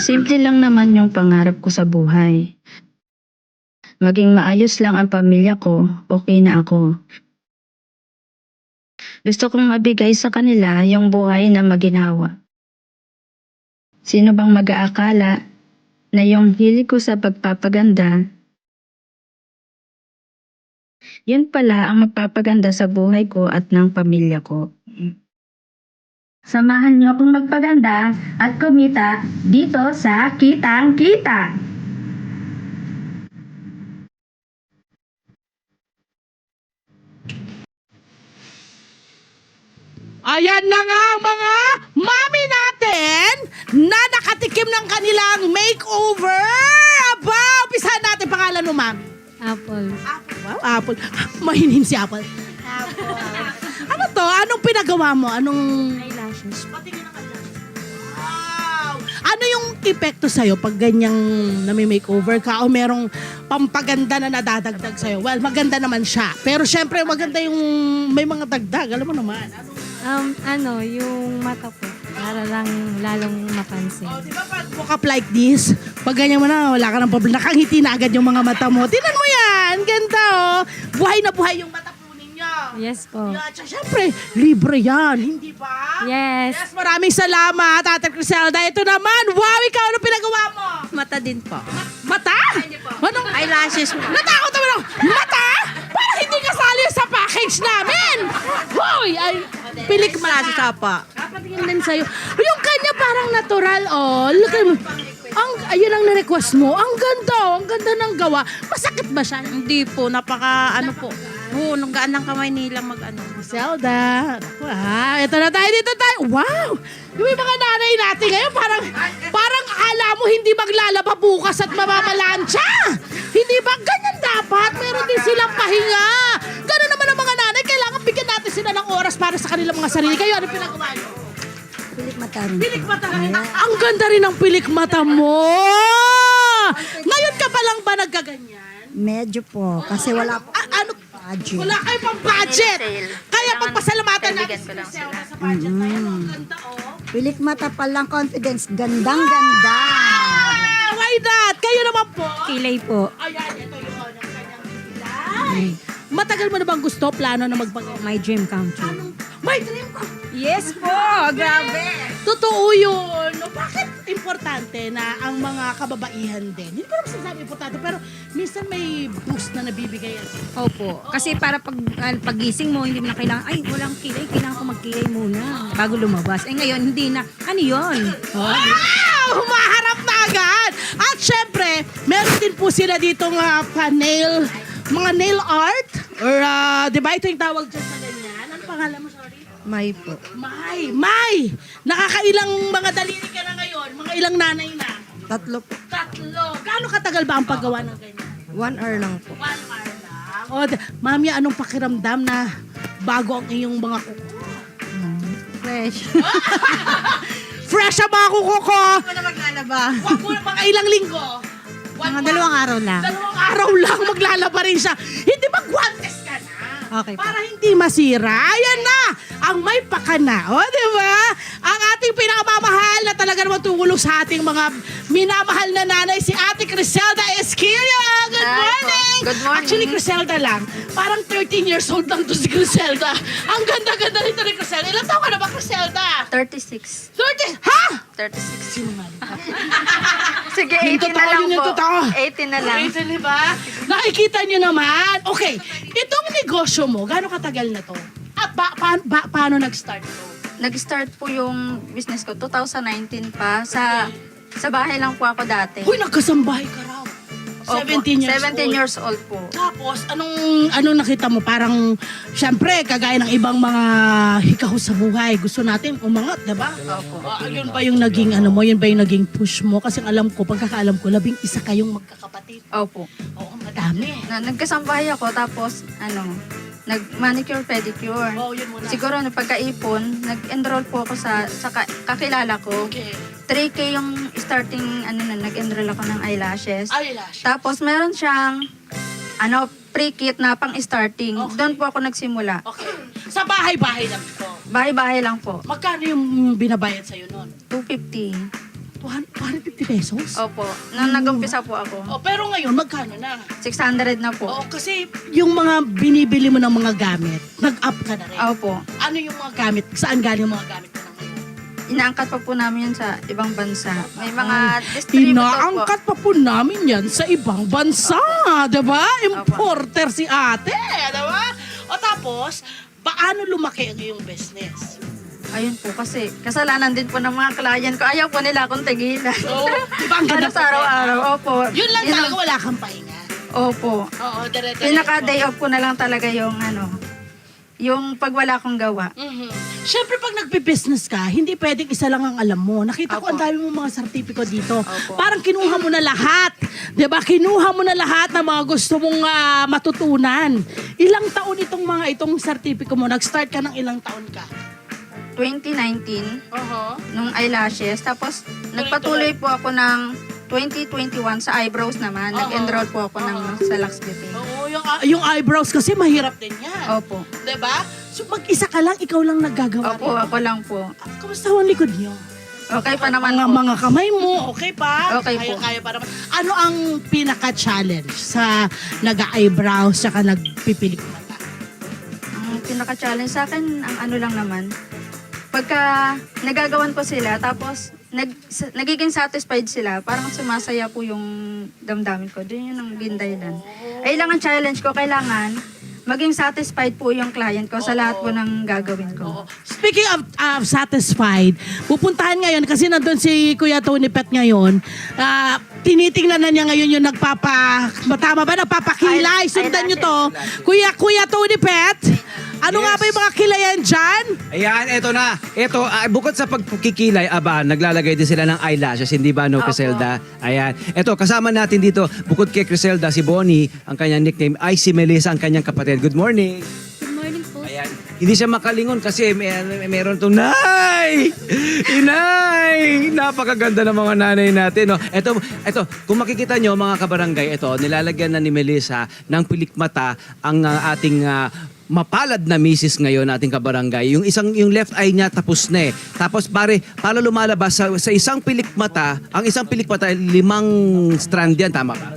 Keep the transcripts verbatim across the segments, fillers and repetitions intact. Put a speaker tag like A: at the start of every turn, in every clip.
A: Simple lang naman yung pangarap ko sa buhay. Maging maayos lang ang pamilya ko, okay na ako. Gusto kong mabigay sa kanila yung buhay na maginhawa. Sino bang mag-aakala na yung hilig ko sa pagpapaganda, yun pala ang magpapaganda sa buhay ko at ng pamilya ko. Samahan niyo akong magpaganda at kumita dito sa Kitang Kita.
B: Ayan na nga ang mga mami natin na nakatikim ng kanilang makeover. Aba, umpisahan natin pangalan mo, mami.
C: Apple.
B: Apple. Wow, Apple. Mahinin si Apple.
C: Apple.
B: Ano to? Anong pinagawa mo? Anong...
C: Eyelashes.
B: Wow! Ano yung epekto sa'yo pag ganyang nami-makeover ka o merong pampaganda na nadadagdag sa'yo? Well, maganda naman siya. Pero syempre, maganda yung may mga dagdag. Alam mo naman. Ano?
C: Um, ano, yung mata po. Para lang lalong mapansin.
B: Oh, di ba pag look up like this, pag ganyan mo na, wala ka ng problema. Nakangiti na agad yung mga mata mo. Tinan mo yan! Ganda oh! Buhay na buhay yung mata po ninyo.
C: Yes po.
B: Yeah, tsaka syempre, libre yan, hindi ba?
C: Yes.
B: Yes, maraming salamat, Ate Criselda. Ito naman, wow, ikaw, ano pinagawa mo?
D: Mata din po.
B: Mata? Anong
D: Eyelashes po.
B: Natakot naman ako. Mata? Parang hindi kasali sa package namin. Hoy, ay, pilik mata.
D: Sa pa.
B: Kapatingin din sa'yo. Yung kanya parang natural, oh. Look at mo. Ang, ayun ang na-request mo. Ang ganda, oh. Ang ganda ng gawa. Masakit ba siya?
D: Hindi po, napaka ano po. Oo, nung gaan ng kamay nila mag ano.
B: Zelda. Wow, ito na tayo, dito tayo. Wow! Yung mga nanay natin ngayon, parang, parang akala mo hindi maglalaba bukas at mamamalansya. Hindi ba? Ganyan dapat. Meron din silang pahinga. Ganun naman ang mga nanay. Kailangan bigyan natin sila ng oras para sa kanilang mga sarili. Kayo, ano pinagawa nyo?
E: Pilik mata rin.
B: Pilik mata rin. Ang ganda rin ng pilik mata mo. Ngayon ka pa lang ba nagkaganyan?
E: Medyo po. Kasi wala po
B: A- ano?
E: budget.
B: Wala kayo pang budget.
D: Sale.
B: Kaya
D: Kailangan
B: pagpasalamatan natin
D: kaibigan
B: si
D: ko lang
B: Crisel
D: sila.
B: sa budget na yan. Ang ganda, oh.
E: Pilik mata pa lang confidence. Gandang ganda.
B: Ah, why not? Kayo naman po.
C: Kilay po.
B: Ayan, ito yung ang kanyang kilay. Matagal mo na bang gusto, plano na magpagawa?
C: My dream come true.
B: My dream ko.
D: Yes po, grabe.
B: Totoo yun. No, bakit importante na ang mga kababaihan din? Hindi ko naman sinasabi importante, pero minsan may boost na nabibigay yan.
F: Opo. Kasi para pag uh, pagising mo, hindi mo na kailangan, ay, walang kilay, kailangan ko magkilay muna bago lumabas. Eh ngayon, hindi na. Ano yun?
B: Wow! Humaharap na agad! At syempre, meron din po sila ditong uh, pa-nail, mga nail art. Or, uh, di ba ito yung tawag dyan sa ganyan? Ano pangalan mo, sorry?
D: May po.
B: May! May! Nakakailang mga daliri ka na ngayon? Mga ilang nanay na?
D: Tatlo po.
B: Tatlo. Gaano katagal ba ang paggawa ng ganyan?
D: One hour lang po.
B: One hour lang. O, d- mami, anong pakiramdam na bago ang iyong mga kuko?
D: Fresh.
B: Fresh ang mga kuko ko!
D: Ano na maglalaba?
B: Wag mo na mga ilang linggo. One
D: Mga
B: month.
D: dalawang araw lang.
B: Dalawang araw lang maglalaba rin siya. Hindi ba guantes ka na?
D: Okay po.
B: Para hindi masira. Ayan na! Ang may pakana. O, di ba? Ang ating pinakamamahal na talaga naman tumulong sa ating mga minamahal na nanay, si Ate Criselda Esquilio. Good
D: Hi po.
B: morning!
D: Good morning.
B: Actually, Criselda lang. Parang thirteen years old lang to si Criselda. Ang ganda-ganda nito ni Criselda. Ilan taon ka na ba, Criselda?
D: thirty-six.
B: thirty? Ha?
D: thirty-six.
B: Sinungaling ka.
D: Sige,
B: Yung
D: eighteen na
B: totoo,
D: lang
B: yun yung
D: po.
B: totoo.
D: eighteen na lang.
B: Right, di ba? Nakikita nyo naman. Okay, itong negosyo mo, gaano katagal na to? At ba, pa, ba, paano nag-start to?
D: Nag-start po yung business ko twenty nineteen pa. Sa sa bahay lang po ako dati.
B: Uy, nagkasambahay ka raw.
D: Opo,
B: seventeen years
D: seventeen
B: old.
D: years old po.
B: Tapos, anong, anong nakita mo? Parang, syempre, kagaya ng ibang mga hikaho sa buhay, gusto natin umangat, di ba?
D: Opo.
B: Ah, yun ba yung naging, ano mo, yun ba yung naging push mo? Kasi alam ko, pagkakaalam ko, labing isa kayong magkakapatid.
D: Opo.
B: Oo, madami.
D: Na, nagkasambahay ako tapos ano, nag-manicure pedicure.
B: Oo, yun muna.
D: Siguro na pagkaipon, nag-enroll po ako sa sa ka- kakilala ko.
B: Okay.
D: three K yung starting ano na nag-enroll ako ng eyelashes.
B: Eyelash.
D: Tapos meron siyang ano pre-kit na pang starting.
B: Okay.
D: Doon po ako nagsimula.
B: Okay. Sa bahay-bahay lang ito.
D: Bahay-bahay lang po.
B: Magkano yung binabayad sa'yo noon?
D: two fifty.
B: two hundred fifty pesos?
D: Opo. Nung nag-umpisa po ako,
B: Oh, pero ngayon, magkano na?
D: six hundred na po.
B: Oo, kasi yung mga binibili mo ng mga gamit, nag-up ka na rin.
D: Opo.
B: Ano yung mga gamit? Saan galing yung mga gamit mo na ngayon?
D: Inaangkat pa po namin yan sa ibang bansa. May mga distributor po.
B: Inaangkat pa po namin yan sa ibang bansa, diba? Importer si ate, diba? O tapos, paano lumaki ang iyong business?
D: Ayun po, kasi kasalanan din po ng mga client ko. Ayaw po nila akong tigilan.
B: Oo, diba ang ganda
D: Ano sa araw-araw, opo.
B: Yun lang
D: Yun
B: talaga,
D: ang-
B: wala kang pahinga.
D: Opo.
B: Oo, dire-diretso.
D: Pinaka-day off ko na lang talaga yung ano, yung pag wala akong gawa.
B: Mhm. Siyempre, pag nagbe-business ka, hindi pwedeng isa lang ang alam mo. Nakita ko
D: Opo.
B: ang dami mong mga sertipiko dito.
D: Opo.
B: Parang kinuha mo na lahat. 'Di ba? Kinuha mo na lahat ng mga gusto mong ah, matutunan. Ilang taon itong mga itong sertipiko mo? Nag-start ka ng ilang taon ka?
D: twenty nineteen,
B: Uh-huh.
D: nung eyelashes. Tapos, nagpatuloy po ako ng twenty twenty-one sa eyebrows naman.
B: Oo.
D: Nag-enroll po ako ng sa Lux Beauty.
B: Oo, yung, ah, yung eyebrows kasi mahirap din yan.
D: Opo.
B: 'Di ba? So mag-isa ka lang, ikaw lang naggagawa.
D: Opo,
B: rin.
D: ako lang po.
B: Ah, Kamusta ang likod niyo?
D: Okay pa naman
B: Mga,
D: po.
B: mga kamay mo, okay pa?
D: Okay
B: kaya,
D: po.
B: Kaya pa naman. Ano ang pinaka-challenge sa nag-eyebrows saka nagpipilik mata?
D: Ang pinaka-challenge sa akin, ang ano lang naman, pagka nagagawan ko sila, tapos nag, sa- nagiging satisfied sila, parang sumasaya po yung damdamin ko. Doon yun ang gindahilan. Ay lang ang challenge ko, kailangan maging satisfied po yung client ko sa lahat po ng gagawin ko.
B: Speaking of, of satisfied, pupuntahan ngayon kasi nandun si Kuya Tony Pet ngayon. Ah, tinitingnan na niya ngayon yung nagpapa... Tama ba? Nagpapakilay.
D: Ay-
B: Sundan niyo to.
D: eyelashes.
B: Kuya, Kuya Tony Pet, ano nga ba yung mga kilayan dyan?
G: Ayan, eto na. Eto, ah, bukod sa pagkikilay, aba, naglalagay din sila ng eyelashes, hindi ba, no,
D: Opo.
G: Criselda? Ayan. Eto, kasama natin dito, bukod kay Criselda, si Bonnie, ang kanyang nickname, ay si Melissa, ang kanyang kapatid. Good morning.
C: Good morning po.
G: Ayan. Hindi siya makalingon kasi may, may, meron itong, Nay! Inay! Napakaganda ng mga nanay natin. No? Ito, ito, kung makikita nyo mga kabarangay, ito, nilalagyan na ni Melissa ng pilik mata ang ah, ating ah, mapalad na misis ngayon ating kabarangay. Yung isang yung left eye niya tapos na eh. Tapos pare, para lumalabas sa, sa isang pilik mata, ang isang pilik mata limang strand yan, tama ba?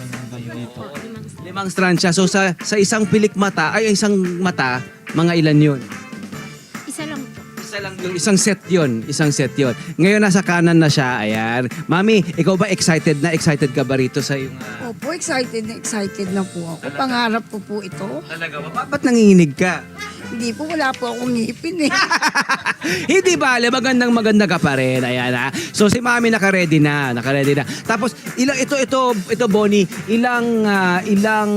G: Limang strand siya. So sa sa isang pilik mata, ay isang mata, mga ilan yun?
C: Isa lang po.
G: Isa lang yung isang set yun. Isang set yun. Ngayon nasa kanan na siya. Ayan. Mami, ikaw ba excited na? Excited ka ba rito sa yung... Uh,
E: Opo, excited na excited na po ako. Pangarap ko po ito.
G: talaga ba? Ba- Ba't nanginginig ka?
E: Hindi po, wala po akong ngipin eh.
G: Hindi bale, magandang maganda ka pa rin. Ayan ha. So si Mami naka-ready na, naka-ready na. Tapos ilang ito ito ito Bonnie, ilang ah, ilang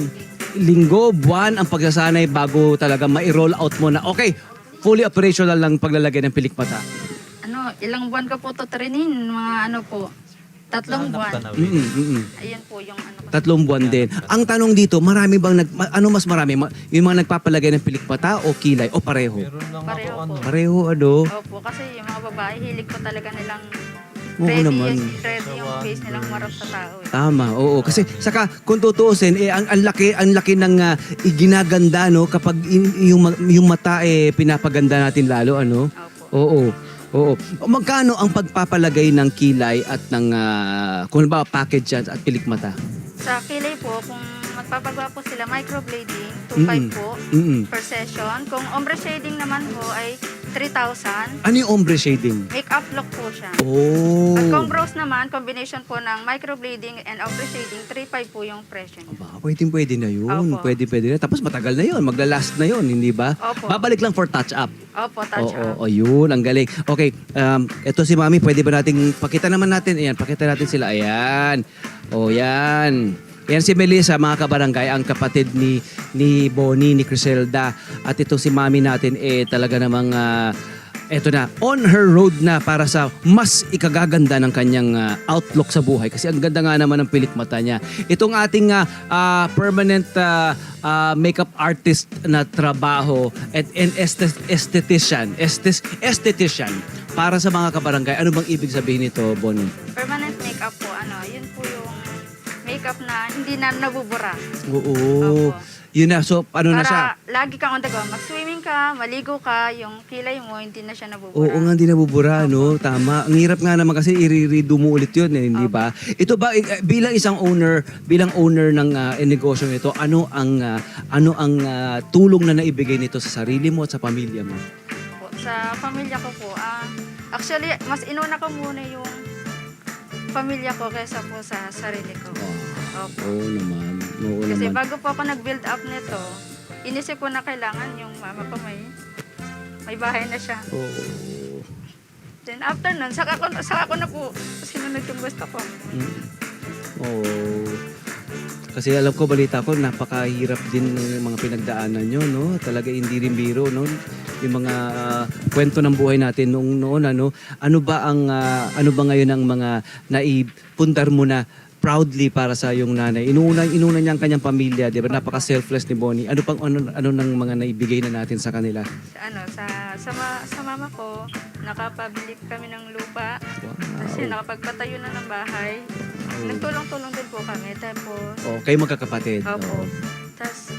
G: linggo, buwan ang pagsasanay bago talaga ma-roll out mo na. Okay, fully operational lang paglalagay ng pilik mata.
D: Ano, ilang buwan ko po to trainin, mga ano po, tatlong buwan.
G: Mm, mm, mm.
D: Ayun po yung ano ko.
G: Tatlong buwan din. Ang tanong dito, marami bang nag ma- ano mas marami? Ma- yung mga nagpapalagay ng pilik mata o kilay o pareho?
D: Pareho po.
G: Pareho ano?
D: Opo, kasi yung mga babae, hilig ko talaga nilang
G: Oo
D: ready,
G: naman.
D: yes, ready yung face nilang marap sa tao. Eh.
G: Tama, oo. Kasi saka kung tutuusin, eh, ang, ang laki ang laki ng ah, iginaganda no kapag in- yung ma- yung mata eh pinapaganda natin lalo ano.
D: Opo.
G: Oo. Oo. O, magkano ang pagpapalagay ng kilay at ng ah, kung ba package yan at pilik mata?
D: Sa kilay po, kung magpapagawa po sila, microblading, two
G: Mm-mm.
D: five po
G: Mm.
D: per session. Kung ombre shading naman po ay three thousand.
G: Ano yung ombre shading?
D: Make-up look po siya.
G: Oh.
D: At kung brows naman, combination po ng microblading and ombre shading, three five po yung presyo niya.
G: Ba, pwede pwede na yun.
D: Opo.
G: Pwede pwede na. Tapos matagal na yun. Magla-last na yun, hindi ba?
D: Opo.
G: Babalik lang for touch up.
D: Opo, touch
G: Oo,
D: up.
G: oo, yun. Ang galing. Okay, um, eto si Mami, pwede ba nating, pakita naman natin. Ayan, pakita natin sila. Ayan. O, yan. Yan si Melissa, mga kabarangay, ang kapatid ni ni Bonnie, ni Criselda. At ito si Mami natin, eh, talaga namang, ah, eto na, on her road na para sa mas ikagaganda ng kanyang ah, outlook sa buhay. Kasi ang ganda nga naman ng pilik mata niya. Itong ating ah, ah, permanent ah, ah, makeup artist na trabaho at an estet- esthetician, estes- esthetician, para sa mga kabarangay. Ano bang ibig sabihin nito, Bonnie?
D: Permanent makeup po, ano, yun po yung makeup na hindi na nabubura.
G: Oo.
D: Opo.
G: Yun na. So, ano na siya?
D: Para lagi kang on the go. Mag-swimming ka, maligo ka, yung kilay mo, hindi na siya nabubura.
G: Oo nga, hindi nabubura, no? Tama. Ang hirap nga naman kasi i-redo mo ulit yun, eh, hindi ba? Ito ba, eh, bilang isang owner, bilang owner ng uh, negosyo nito, ano ang, ah, ano ang ah, tulong na naibigay nito sa sarili mo at sa pamilya mo?
D: Po. Sa pamilya ko po, ah, actually, mas inuna ko muna yung pamilya ko kaysa po sa sarili ko. Opo.
G: Oo naman. Oo
D: Kasi
G: naman.
D: bago po ako nag-build up nito, inisip ko na kailangan yung mama ko may may bahay na siya.
G: Oo.
D: Then after nun, saka ko, saka ko na po sinunod yung gusto ko.
G: Mm. Oo. Kasi alam ko, balita ko, napakahirap din ng mga pinagdaanan nyo, no? Talaga hindi rin biro, no? Yung mga ah, kwento ng buhay natin noong noon, ano? Ano ba ang, ah, ano ba ngayon ang mga naipundar mo na proudly para sa yung nanay? Inuuna, inuna niya ang kanyang pamilya, di ba? Napaka-selfless ni Bonnie. Ano pang, ano, ano ng mga naibigay na natin sa kanila?
D: Sa, ano, sa, sa, ma- sa mama ko, nakapabili kami ng lupa. Kasi
G: Wow.
D: nakapagpatayo na ng bahay. Nagtulong-tulong din po kami. Tapos,
G: Oh, kayo magkakapatid.
D: opo.
G: Oo.
D: Tapos,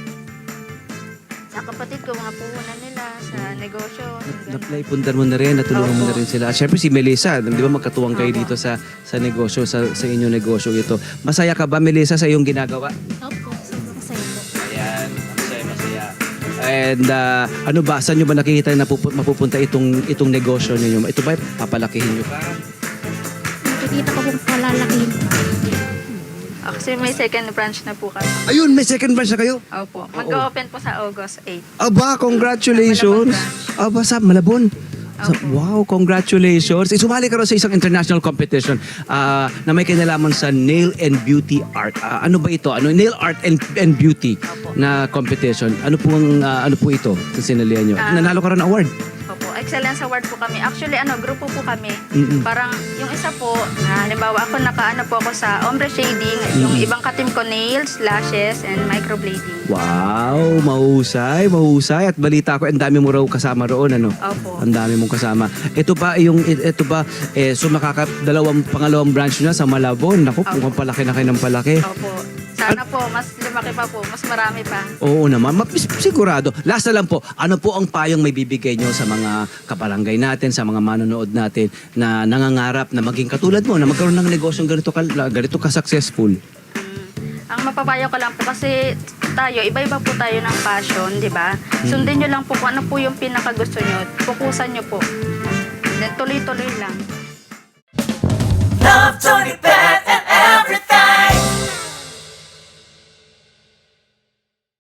D: sa kapatid ko, mga puhunan nila sa negosyo.
G: Na,
D: ganun.
G: naipundar mo na rin, natulungan mo
D: Opo.
G: na rin sila. At syempre si Melissa, di ba magkatuwang kayo
D: Opo.
G: dito sa sa negosyo, sa, sa inyong negosyo ito. Masaya ka ba, Melissa, sa iyong ginagawa?
C: Opo, sobrang masaya po.
G: Ayan, masaya, masaya. And ah, ano ba, saan nyo ba nakikita na pupu- mapupunta itong itong negosyo ninyo? Ito ba, papalakihin nyo pa?
C: Nakikita ko pong palalakihin pa.
D: Kasi may second branch na po kami.
G: Ayun, may second branch na kayo?
D: Opo. Mag-open po sa August eighth.
G: Aba, congratulations! Aba, sa Malabon. Sa,
D: Opo.
G: wow, congratulations. Eh, sumali ka rin sa isang international competition ah, na may kinalaman sa nail and beauty art. Ah, ano ba ito? Ano nail art and and beauty
D: Opo.
G: na competition? Ano po ang ah, ano po ito? Sa sinalihan nyo?
D: Ah.
G: Nanalo ka rin ng award.
D: Opo. Excellence Award po kami. Actually, ano, grupo po kami.
G: Mm-mm.
D: Parang yung isa po, na halimbawa ako nakaano po ako sa ombre shading, yung ibang katim ko nails, lashes, and microblading.
G: Wow, mahusay, mahusay. At balita ko, ang dami mo raw kasama roon, ano?
D: Opo.
G: Ang dami mong kasama. Ito ba yung ito ba eh so makaka dalawang pangalawang branch na sa Malabon. Naku,
D: Opo.
G: mukhang palaki na kayo ng palaki.
D: Opo. Sana po, mas lumaki pa po, mas marami pa.
G: Oo naman, Ma- sigurado. Last na lang po, ano po ang payong may bibigay nyo sa mga kabarangay natin, sa mga manonood natin na nangangarap na maging katulad mo, na magkaroon ng negosyong ganito ka, ganito ka successful?
D: Ang mapapayo ko lang po kasi tayo, iba-iba po tayo ng passion, di ba? Sundin nyo lang po kung ano po yung pinakagusto nyo. Fokusan nyo po. Then tuloy-tuloy lang.
H: Love Tony Bennett.